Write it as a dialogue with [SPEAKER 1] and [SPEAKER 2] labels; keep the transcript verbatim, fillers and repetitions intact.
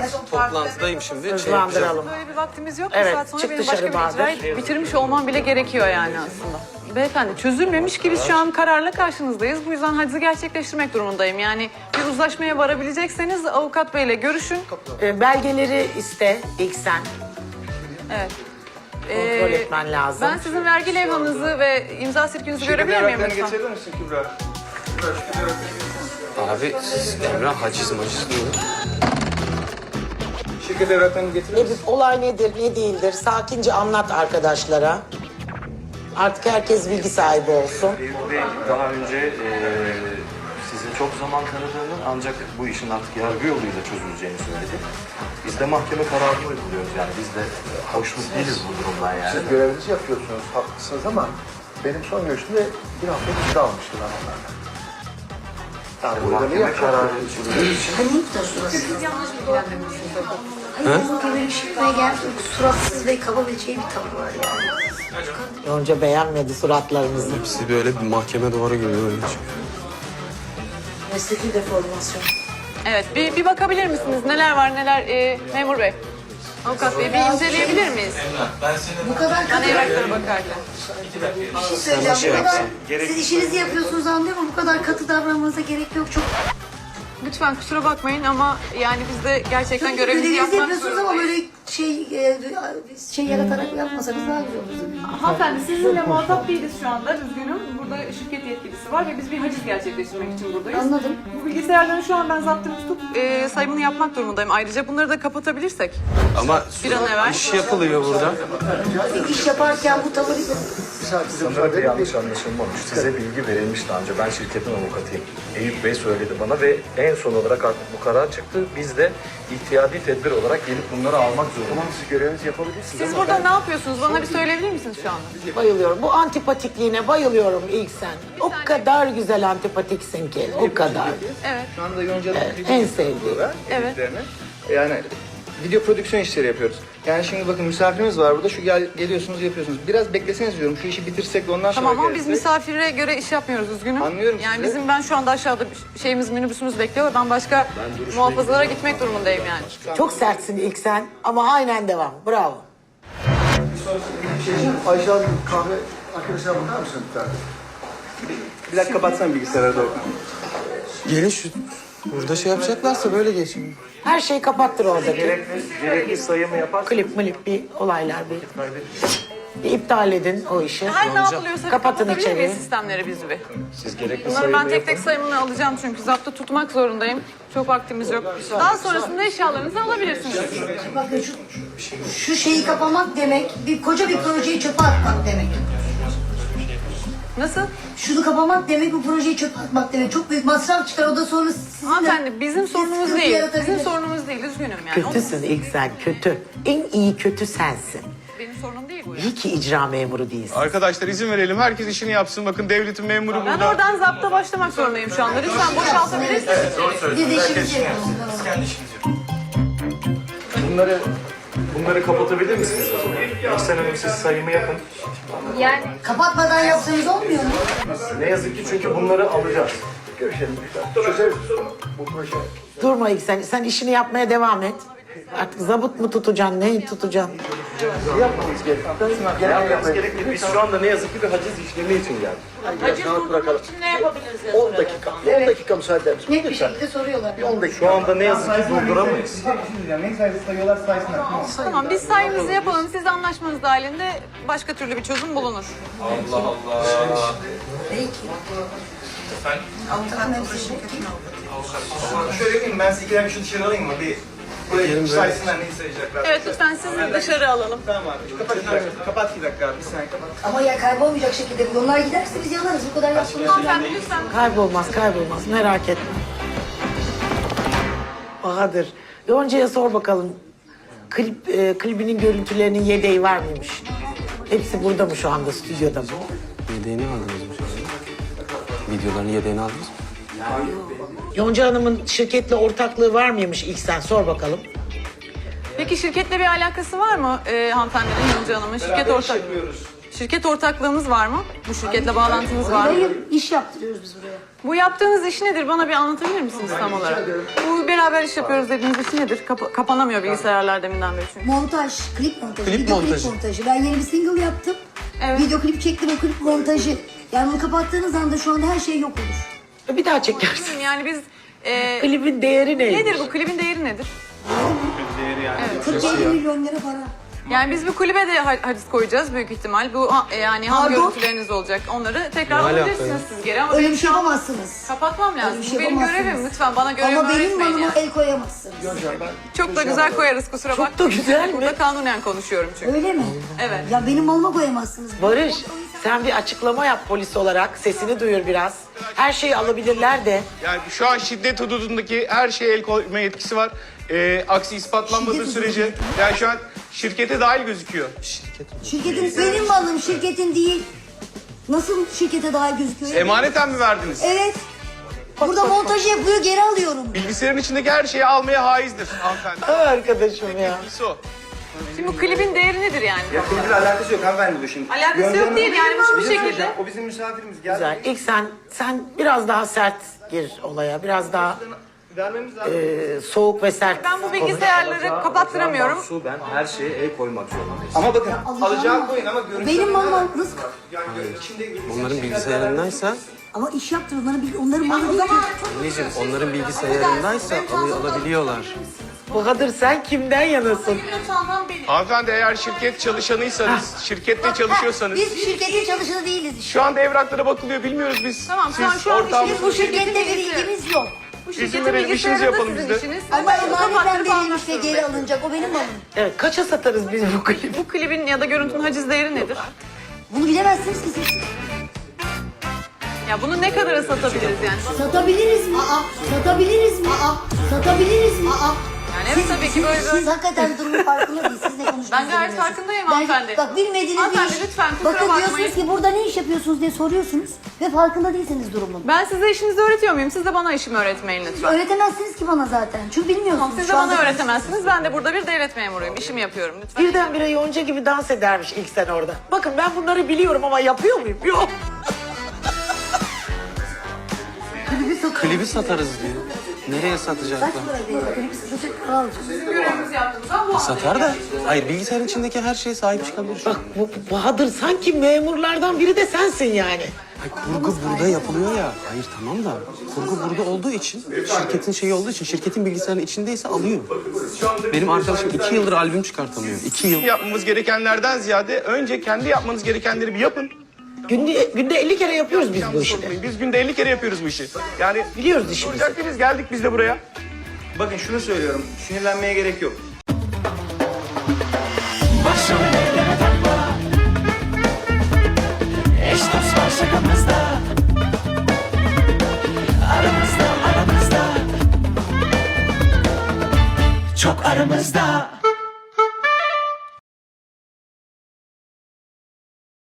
[SPEAKER 1] toplantıdayım şimdi. Şey
[SPEAKER 2] Hızlandıralım.
[SPEAKER 3] Böyle bir vaktimiz yok.
[SPEAKER 2] Evet,
[SPEAKER 3] Bir saat sonra
[SPEAKER 2] çık
[SPEAKER 3] benim
[SPEAKER 2] dışarı
[SPEAKER 3] başka bir
[SPEAKER 2] Bahadır.
[SPEAKER 3] icrayı bitirmiş olmam bile gerekiyor yani aslında. Beyefendi çözülmemiş ki biz şu an kararla karşınızdayız. Bu yüzden hacizi gerçekleştirmek durumundayım. Yani bir uzlaşmaya varabilecekseniz avukat beyle görüşün.
[SPEAKER 2] Ee, belgeleri iste ilk sen.
[SPEAKER 3] Evet.
[SPEAKER 2] Kontrol
[SPEAKER 3] Ee,
[SPEAKER 2] etmen lazım.
[SPEAKER 3] Ben sizin vergi levhanızı ve imza sirkünüzü görebilir miyim lütfen?
[SPEAKER 4] Getirir misin Kübra?
[SPEAKER 1] Abi siz Emrah haciz maciz diyor.
[SPEAKER 4] Şirket evraklarını getirir misin?
[SPEAKER 2] Edip olay nedir, ne değildir sakince anlat arkadaşlara. Artık herkes bilgi sahibi olsun.
[SPEAKER 5] Eyüp Bey daha önce eee sizin çok zaman tanıdığını ancak bu işin artık yargı yoluyla çözüleceğini söyledi. Biz de mahkeme kararını uyguluyoruz yani biz de hoşnut değiliz bu durumdan yani.
[SPEAKER 6] Siz görevinizi yapıyorsunuz, haklısınız ama benim son görüşümde bir hafta izin almıştı ben onlardan. Yani bu ödemeyi
[SPEAKER 5] Mahkeme kararı
[SPEAKER 7] Hayır, bu gibi bir şifreye geldi. Suratsız ve kaba bir şey bir tavır var yani.
[SPEAKER 2] Yonca beğenmedi suratlarınızı.
[SPEAKER 1] Hepsi böyle bir mahkeme duvarı gibi öyle çıkıyor.
[SPEAKER 7] Mesleki deformasyon.
[SPEAKER 3] Evet, bir, bir bakabilir misiniz? Neler var neler? Ee, memur bey, avukat bey bir inceleyebilir miyiz?
[SPEAKER 7] Bu kadar
[SPEAKER 3] Ben
[SPEAKER 7] katı
[SPEAKER 3] evraklara bakarken.
[SPEAKER 7] bir şey söyleyeceğim. Bu kadar, siz işinizi yapıyorsunuz anlıyorum ama bu kadar katı davranmanıza gerek yok. Çok
[SPEAKER 3] Lütfen kusura bakmayın ama yani biz de gerçekten görevimizi
[SPEAKER 7] görevinizi
[SPEAKER 3] yapmak
[SPEAKER 7] yapıyorsunuz ama böyle şey e, şey yaratarak yapmasanız daha güzel olur.
[SPEAKER 3] Hanımefendi sizinle muhatap değiliz şu anda. Üzgünüm. Burada şirket yetkilisi var ve biz bir haciz gerçekleştirmek için buradayız.
[SPEAKER 7] Anladım.
[SPEAKER 3] Bu bilgisayarları şu an ben zaptını tutup e, sayımını yapmak durumundayım. Ayrıca bunları da kapatabilirsek.
[SPEAKER 1] Ama
[SPEAKER 3] Bir an evvel.
[SPEAKER 1] iş yapılıyor burada.
[SPEAKER 7] İş yaparken bu tavır
[SPEAKER 5] sanırım bir yanlış anlaşılmamış. Size bilgi verilmişti ancak ben şirketin avukatıyım. Eyüp Bey söyledi bana ve en son olarak artık bu karar çıktı. Biz de ihtiyadi tedbir olarak gelip bunları almak zorundayız.
[SPEAKER 6] siz görevinizi yapabilirsiniz.
[SPEAKER 3] Siz burada ne yapıyorsunuz? Bana bir söyleyebilir misiniz şu anda?
[SPEAKER 2] Bayılıyorum. Bu antipatikliğine bayılıyorum ilk sen. O kadar güzel antipatiksin ki. O kadar.
[SPEAKER 3] Evet.
[SPEAKER 4] Şu anda Yonca'nın
[SPEAKER 2] Evet, en sevdiğim.
[SPEAKER 3] Evet.
[SPEAKER 4] Yani video prodüksiyon işleri yapıyoruz. Yani şimdi bakın misafirimiz var burada. Şu gel, geliyorsunuz yapıyorsunuz. Biraz bekleseniz diyorum. Şu işi bitirsek de ondan sonra
[SPEAKER 3] Tamam ama biz
[SPEAKER 4] gelirsek.
[SPEAKER 3] misafire göre iş yapmıyoruz üzgünüm.
[SPEAKER 4] Anlıyorum
[SPEAKER 3] Yani
[SPEAKER 4] sizi.
[SPEAKER 3] bizim ben şu anda aşağıda bir şeyimiz minibüsümüz bekliyor. Ben başka muhafazalara gitmek durumundayım yani.
[SPEAKER 2] Çok sertsin ilk sen ama aynen devam. Bravo.
[SPEAKER 6] Ayşe Hanım kahve arkadaşına bakar mısın bir tane?
[SPEAKER 4] Bir dakika kapatsana bilgisayarı da oku.
[SPEAKER 1] Gelin şu burada şey yapacaklarsa böyle geçin.
[SPEAKER 2] Her şeyi kapattır oradaki.
[SPEAKER 5] Gerekli, gerekli sayımı yaparsanız
[SPEAKER 2] Klip milip bir olaylar bir. Bir iptal edin o işi.
[SPEAKER 3] Her ne yapılıyorsa
[SPEAKER 2] Kapatın
[SPEAKER 3] kapatabilir
[SPEAKER 2] içeriği.
[SPEAKER 3] miyiz sistemleri biz bir?
[SPEAKER 5] siz gerekli
[SPEAKER 3] Bunları
[SPEAKER 5] sayımı
[SPEAKER 3] ben tek
[SPEAKER 5] yapın.
[SPEAKER 3] tek sayımını alacağım çünkü zaptı tutmak zorundayım. Çok vaktimiz yok. Daha sonrasında eşyalarınızı alabilirsiniz.
[SPEAKER 7] bakın şu, şu şeyi kapamak demek bir koca bir projeyi çöpe atmak demek.
[SPEAKER 3] Nasıl?
[SPEAKER 7] Şunu kapamak demek bu projeyi çöpe atmak demek. Çok büyük masraf çıkar. O da sonra sizinle...
[SPEAKER 3] Hanımefendi bizim sorunumuz
[SPEAKER 7] sıkıntı
[SPEAKER 3] değil.
[SPEAKER 7] yaratabilir.
[SPEAKER 3] Bizim sorunumuz değil. Üzgünüm yani. O-
[SPEAKER 2] Kötüsün ilk sen kötü. En iyi kötü sensin.
[SPEAKER 3] Benim sorunum değil bu ya.
[SPEAKER 2] İyi ki icra memuru değilsin.
[SPEAKER 8] Arkadaşlar izin verelim. Herkes işini yapsın. Bakın devletin memuru
[SPEAKER 3] Ben
[SPEAKER 8] burada.
[SPEAKER 3] oradan zapta başlamak zorundayım şu anda. Lütfen boşaltabilirsiniz.
[SPEAKER 7] Biz de işimizi yapalım.
[SPEAKER 5] Bunları bunları kapatabilir misiniz o zaman? İhsan Hanım siz sayımı yapın.
[SPEAKER 7] Kapatmadan yapsanız olmuyor mu?
[SPEAKER 5] Ne yazık ki çünkü bunları alacağız.
[SPEAKER 6] Görüşelim. Çözeriz bu proje.
[SPEAKER 2] Durma ilk sen. Sen işini yapmaya devam et. Artık zabıt mı tutacaksın, neyi tutacaksın?
[SPEAKER 6] Yapmamız gerekiyor.
[SPEAKER 5] Ne yapmamız gerekli? Biz şu anda ne yazık ki bir haciz işlemi için geldik.
[SPEAKER 2] Haciz durdurmak için ne yapabiliriz?
[SPEAKER 6] on dakika. on dakika müsaade eder misin?
[SPEAKER 7] Net bir şekilde soruyorlar.
[SPEAKER 6] on dakika.
[SPEAKER 5] Şu anda ne yazık ki durduramayız.
[SPEAKER 4] Ne sayısı sayıyorlar saysınlar.
[SPEAKER 3] Tamam biz sayımızı yapalım. Siz de anlaşmanız dahilinde başka türlü bir çözüm bulunur.
[SPEAKER 7] Peki. Avukatın hepsi şirketin
[SPEAKER 4] Şöyle yapayım ben sizi iki dakika şu dışarı alayım mı? Bir buraya saysınlar neyi sayacaklar.
[SPEAKER 3] Evet lütfen sizi dışarı alalım.
[SPEAKER 4] Tamam abi. Kapat iki dakika. Kapat iki dakika abi. Bir saniye kapat.
[SPEAKER 7] Ama ya kaybolmayacak şekilde bu. Onlar giderse biz yanarız. Bu kadar yapmamız
[SPEAKER 3] Hanımefendi lütfen.
[SPEAKER 2] Kaybolmaz, kaybolmaz. Merak etme. Bahadır, Yonca'ya sor bakalım. Klip, e, klibinin görüntülerinin yedeği var mıymış? Hepsi burada mı şu anda, stüdyoda mı?
[SPEAKER 1] Yedeğini aldınız mı şu anda? Videoların yedeğini aldınız mı?
[SPEAKER 2] Yonca Hanım'ın şirketle ortaklığı var mıymış ilk sen sor bakalım.
[SPEAKER 3] Peki şirketle bir alakası var mı e, hanımefendinin Yonca Hanım'ın? Şirket
[SPEAKER 4] Beraber iş
[SPEAKER 3] ortak.
[SPEAKER 4] yapıyoruz.
[SPEAKER 3] Şirket ortaklığınız var mı? Bu şirketle bağlantınız var mı?
[SPEAKER 7] Hayır, iş yaptırıyoruz biz buraya.
[SPEAKER 3] Bu yaptığınız iş nedir? Bana bir anlatabilir misiniz tam olarak? Bu beraber iş yapıyoruz dediğiniz iş nedir? Kapa- kapanamıyor bilgisayarlar deminden beri çünkü.
[SPEAKER 7] Montaj, klip montajı,
[SPEAKER 1] Klip
[SPEAKER 7] video
[SPEAKER 1] montajı.
[SPEAKER 7] klip montajı. Ben yeni bir single yaptım.
[SPEAKER 3] Evet.
[SPEAKER 7] Video klip çektim, o klip montajı. Yani bunu kapattığınız anda şu anda her şey yok olur.
[SPEAKER 2] Bir daha çekersin.
[SPEAKER 3] Yani biz... E,
[SPEAKER 2] Klibin değeri neymiş?
[SPEAKER 3] nedir bu? Klibin değeri nedir?
[SPEAKER 7] kırk elli milyon lira para.
[SPEAKER 3] Yani biz bu klibe de ha- haciz koyacağız büyük ihtimal. Bu ha- e, yani ham
[SPEAKER 7] Pardon?
[SPEAKER 3] görüntüleriniz olacak. Onları tekrar
[SPEAKER 1] Ne alaka
[SPEAKER 3] alabilirsiniz
[SPEAKER 1] ya?
[SPEAKER 3] siz geri ama
[SPEAKER 7] Öyle
[SPEAKER 3] benim
[SPEAKER 7] bir şey
[SPEAKER 3] şu an
[SPEAKER 7] yapamazsınız.
[SPEAKER 3] kapatmam lazım.
[SPEAKER 7] Öyle bir
[SPEAKER 3] Bu
[SPEAKER 7] şey
[SPEAKER 3] benim
[SPEAKER 7] yapamazsınız.
[SPEAKER 3] görevim. Lütfen bana görevimi
[SPEAKER 7] Ama benim
[SPEAKER 3] öğretmeyin
[SPEAKER 7] malıma
[SPEAKER 3] yani.
[SPEAKER 7] el koyamazsınız.
[SPEAKER 3] Çok da güzel koyarız kusura bakmayın.
[SPEAKER 2] Çok da güzel mi?
[SPEAKER 3] Burada kanunen konuşuyorum çünkü.
[SPEAKER 7] Öyle mi?
[SPEAKER 3] Evet.
[SPEAKER 7] Ya benim malıma koyamazsınız.
[SPEAKER 2] Barış, sen bir açıklama yap polis olarak. Sesini duyur biraz. Her şeyi alabilirler de.
[SPEAKER 8] Yani şu an şiddet hududundaki her şeye el koyma yetkisi var. Ee, aksi ispatlanmadığı
[SPEAKER 7] Şiddet
[SPEAKER 8] sürece yani şu an şirkete dahil gözüküyor.
[SPEAKER 7] Şirketin benim malım, şirketin değil. Nasıl şirkete daha gözüküyor?
[SPEAKER 8] Emaneten mi verdiniz?
[SPEAKER 7] Evet. Burada montaj yapıyor, geri alıyorum.
[SPEAKER 8] Bilgisayarın içindeki her şeyi almaya haizdir hanımefendi.
[SPEAKER 2] Ay arkadaşım ya.
[SPEAKER 8] Birisi o.
[SPEAKER 3] Şimdi bu klibin değeri nedir yani?
[SPEAKER 4] Ya klibin alakası yok hanımefendi bu şimdi.
[SPEAKER 3] Alakası yok
[SPEAKER 4] Gönderme-
[SPEAKER 3] değil yani bu bir
[SPEAKER 4] Bizim
[SPEAKER 3] şekilde.
[SPEAKER 4] hocam, O bizim misafirimiz. Gel.
[SPEAKER 2] Güzel. İlk sen, sen biraz daha sert gir olaya. Biraz daha
[SPEAKER 4] Vermemiz lazım.
[SPEAKER 2] e, soğuk ve sert.
[SPEAKER 3] Ben bu bilgisayarları kapattıramıyorum.
[SPEAKER 5] Su, ben her şeye el koymak zorundayım.
[SPEAKER 4] Ama bakın
[SPEAKER 7] alacağım
[SPEAKER 4] alacağı
[SPEAKER 7] ama-
[SPEAKER 4] koyun ama görüntü.
[SPEAKER 7] Benim malım nasıl?
[SPEAKER 4] Yani gör- içinde
[SPEAKER 1] Onların bilgisayarındaysa,
[SPEAKER 7] Ama iş yaptır, onların, bil- onların malı değil ki.
[SPEAKER 1] anneciğim onların bilgisayarındaysa al- alabiliyorlar.
[SPEAKER 2] Bahadır sen kimden yanasın?
[SPEAKER 8] Hanımefendi eğer şirket çalışanıysanız, şirkette çalışıyorsanız
[SPEAKER 7] Biz şirketin çalışanı değiliz işte.
[SPEAKER 8] şu anda evraklara bakılıyor bilmiyoruz biz.
[SPEAKER 3] Tamam, şu an-
[SPEAKER 8] Siz
[SPEAKER 3] şu an
[SPEAKER 8] ortağımız-
[SPEAKER 3] işiniz
[SPEAKER 7] Bu şirkette bir ilgimiz yok.
[SPEAKER 3] Bu
[SPEAKER 8] İzin
[SPEAKER 3] şirketin
[SPEAKER 8] verelim, işimizi
[SPEAKER 3] bilgisayarı da
[SPEAKER 8] yapalım
[SPEAKER 3] sizin
[SPEAKER 8] biz de.
[SPEAKER 3] işiniz.
[SPEAKER 7] Ama
[SPEAKER 3] Ben bunu
[SPEAKER 7] emanetten
[SPEAKER 3] kapattırıp almak
[SPEAKER 7] verilmiş ve geri
[SPEAKER 3] zorundayım.
[SPEAKER 7] alınacak. O benim malım.
[SPEAKER 2] Evet, kaça satarız biz bu klibi?
[SPEAKER 3] Bu klibin ya da görüntünün haciz değeri nedir?
[SPEAKER 7] Bunu bilemezsiniz ki siz.
[SPEAKER 3] Ya bunu ne kadara satabiliriz yani?
[SPEAKER 7] Satabiliriz mi? Aa, satabiliriz mi? Aa, satabiliriz mi? Aa.
[SPEAKER 3] Yani evet tabii ki böyle
[SPEAKER 7] Siz,
[SPEAKER 3] böyle.
[SPEAKER 7] siz hakikaten durumun farkında değilsiniz. Siz ne konuştuğunuzu
[SPEAKER 3] Ben gayet
[SPEAKER 7] bilmiyorsunuz.
[SPEAKER 3] farkındayım
[SPEAKER 7] Ben-
[SPEAKER 3] hanımefendi.
[SPEAKER 7] Bak bilmediğiniz bir
[SPEAKER 3] Hanımefendi,
[SPEAKER 7] iş.
[SPEAKER 3] lütfen, kusura
[SPEAKER 7] Bakın
[SPEAKER 3] bakmayın.
[SPEAKER 7] diyorsunuz ki burada ne iş yapıyorsunuz diye soruyorsunuz. Ve farkında değilsiniz durumun.
[SPEAKER 3] Ben size işinizi öğretiyor muyum? Siz de bana işimi öğretmeyin lütfen.
[SPEAKER 7] Öğretemezsiniz ki bana zaten. Çünkü bilmiyorsunuz.
[SPEAKER 3] Siz de
[SPEAKER 7] Şu anda-
[SPEAKER 3] bana öğretemezsiniz. Ben de burada bir devlet memuruyum. İşimi yapıyorum lütfen.
[SPEAKER 2] Birdenbire Yonca gibi dans edermiş ilk sen orada. Bakın ben bunları biliyorum ama yapıyor muyum? Yok.
[SPEAKER 1] Klibi satarız diyor. Nereye
[SPEAKER 7] Kaç
[SPEAKER 1] satacaklar?
[SPEAKER 7] para değil? Klibi satacak para alacağız.
[SPEAKER 3] Görevimizi yaptığımızdan bu
[SPEAKER 1] Satar da. Hayır bilgisayarın içindeki her şeye sahip çıkabilir şu an.
[SPEAKER 2] Bak bu Bahadır sanki memurlardan biri de sensin yani.
[SPEAKER 1] Ay, kurgu burada yapılıyor ya. Hayır tamam da kurgu burada olduğu için şirketin şeyi olduğu için şirketin bilgisayarının içindeyse alıyor. Benim arkadaşım iki yıldır albüm çıkartamıyor. İki yıl.
[SPEAKER 8] Yapmamız gerekenlerden ziyade önce kendi yapmanız gerekenleri bir yapın.
[SPEAKER 2] Günde, günde elli kere yapıyoruz biz bu işi.
[SPEAKER 8] Biz günde elli kere yapıyoruz bu işi. Yani
[SPEAKER 2] Biliyoruz işimizi.
[SPEAKER 8] olacak biz geldik biz de buraya.
[SPEAKER 4] Bakın şunu söylüyorum. Sinirlenmeye gerek yok.
[SPEAKER 9] Başım ellere takma. Eş dost var şakamızda. Aramızda aramızda. Çok aramızda.